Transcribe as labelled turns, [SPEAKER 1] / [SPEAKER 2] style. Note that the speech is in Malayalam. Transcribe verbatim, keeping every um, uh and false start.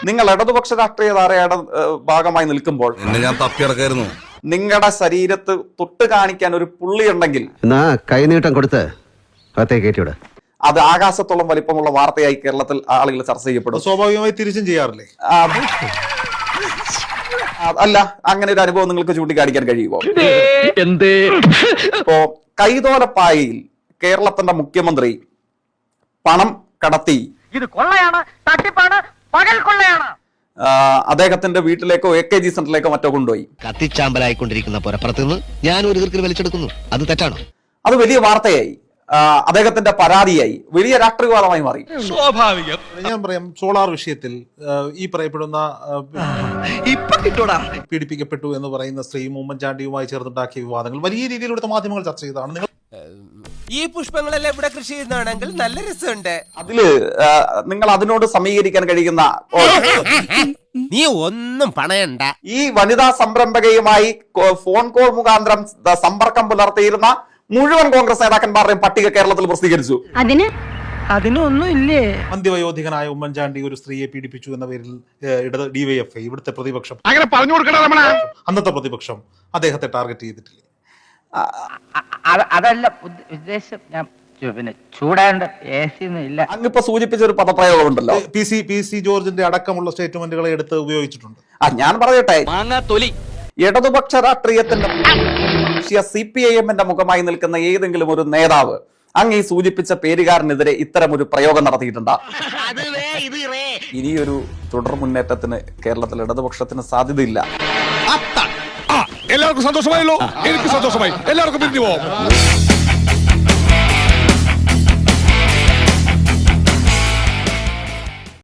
[SPEAKER 1] നിങ്ങൾ ഇടതുപക്ഷ രാഷ്ട്രീയ ധാരയുടെ ഭാഗമായി നിൽക്കുമ്പോൾ
[SPEAKER 2] ഞാൻ തപ്പിയിറക്കായിരുന്നു.
[SPEAKER 1] നിങ്ങളുടെ ശരീരത്ത് തൊട്ട് കാണിക്കാൻ ഒരു പുള്ളി ഉണ്ടെങ്കിൽ
[SPEAKER 3] കൈനീട്ടം കൊടുത്ത് കയറ്റിവിട.
[SPEAKER 1] അത് ആകാശത്തോളം വലിപ്പമുള്ള വാർത്തയായി കേരളത്തിൽ ആളുകൾ ചർച്ച ചെയ്യപ്പെടും.
[SPEAKER 4] സ്വാഭാവികമായി തിരിച്ചും ചെയ്യാറില്ലേ?
[SPEAKER 1] അല്ല, അങ്ങനെ ഒരു അനുഭവം നിങ്ങൾക്ക് ചൂണ്ടിക്കാണിക്കാൻ കഴിയുമോ? ഇപ്പോ കൈതോലപ്പായയിൽ കേരളത്തിന്റെ മുഖ്യമന്ത്രി പണം കടത്തി
[SPEAKER 5] ഇത് കൊള്ളയാണ്, തട്ടിപ്പാണ്, പകൽ കൊള്ളയാണ്.
[SPEAKER 1] അദ്ദേഹത്തിന്റെ വീട്ടിലേക്കോ എ കെ ജി സെന്ററിലേക്കോ മറ്റോ കൊണ്ടുപോയി.
[SPEAKER 3] കത്തിച്ചാമ്പലായിക്കൊണ്ടിരിക്കുന്ന പുറത്തുനിന്ന് ഞാൻ ഒരു ദീർഘ വലിച്ചെടുക്കുന്നു. അത് തെറ്റാണോ?
[SPEAKER 1] അത് വലിയ വാർത്തയായി, അദ്ദേഹത്തിന്റെ പരാതിയായി, വലിയ രാഷ്ട്രീയവാദമായി മാറി.
[SPEAKER 4] സ്വാഭാവികം. ഞാൻ പറയാം, സോളാർ വിഷയത്തിൽ ഈ പറയപ്പെടുന്ന പീഡിപ്പിക്കപ്പെട്ടു എന്ന് പറയുന്ന സ്ത്രീയും ഉമ്മൻചാണ്ടിയുമായി ചേർന്നുണ്ടാക്കിയ വിവാദങ്ങൾ വലിയ രീതിയിൽ ഇവിടുത്തെ മാധ്യമങ്ങൾ ചർച്ച ചെയ്തതാണ്. നിങ്ങൾ
[SPEAKER 6] ഈ പുഷ്പങ്ങളെല്ലാം ഇവിടെ കൃഷി ചെയ്യുന്നതാണെങ്കിൽ നല്ല രസമുണ്ട്.
[SPEAKER 1] അതില് നിങ്ങൾ അതിനോട് സമീകരിക്കാൻ കഴിയുന്ന
[SPEAKER 6] നീ ഒന്നും പണയണ്ട.
[SPEAKER 1] ഈ വനിതാ സംരംഭകയുമായി ഫോൺ കോൾ മുഖാന്തരം സമ്പർക്കം പുലർത്തിയിരുന്ന മുഴുവൻ കോൺഗ്രസ് നേതാക്കന്മാരുടെയും പട്ടിക കേരളത്തിൽ പ്രസിദ്ധീകരിച്ചു.
[SPEAKER 5] അതിന് അതിനൊന്നും ഇല്ലേ?
[SPEAKER 4] അന്ത്യവയോധികനായ ഉമ്മൻചാണ്ടി ഒരു സ്ത്രീയെ പീഡിപ്പിച്ചു എന്ന പേരിൽ ഇടത് ഡിവൈഎഫ്ഐ, ഇവിടുത്തെ പ്രതിപക്ഷം,
[SPEAKER 2] അങ്ങനെ പറഞ്ഞു കൊടുക്കണം.
[SPEAKER 4] അന്നത്തെ പ്രതിപക്ഷം അദ്ദേഹത്തെ ടാർഗറ്റ് ചെയ്തിട്ടില്ലേ?
[SPEAKER 5] അതല്ല ഉദ്ദേശം. ഞാൻ പിന്നെ ചൂടാണ്ട് എ സി ഒന്നും ഇല്ല.
[SPEAKER 1] അങ്ങിപ്പോ സൂചിപ്പിച്ച ഒരു പദപ്രയോഗം ഉണ്ടല്ലോ,
[SPEAKER 4] പി സി പി സി ജോർജിന്റെ അടക്കമുള്ള സ്റ്റേറ്റ്മെന്റുകളെ എടുത്ത് ഉപയോഗിച്ചിട്ടുണ്ട്.
[SPEAKER 1] ആ ഞാൻ പറയട്ടെ,
[SPEAKER 6] തൊലി
[SPEAKER 1] ഇടതുപക്ഷ രാഷ്ട്രീയത്തിന്റെ സി പി ഐ എമ്മിന്റെ മുഖമായി നിൽക്കുന്ന ഏതെങ്കിലും ഒരു നേതാവ് അങ്ങ് ഈ സൂചിപ്പിച്ച പേരുകാരനെതിരെ ഇത്തരം ഒരു പ്രയോഗം നടത്തിയിട്ടുണ്ടാ? ഇനിയൊരു തുടർ മുന്നേറ്റത്തിന് കേരളത്തിൽ ഇടതുപക്ഷത്തിന് സാധ്യതയില്ല.
[SPEAKER 2] എല്ലാവർക്കും സന്തോഷമായല്ലോ. എനിക്ക് സന്തോഷമായി. എല്ലാവർക്കും പിരിഞ്ഞു പോവാം.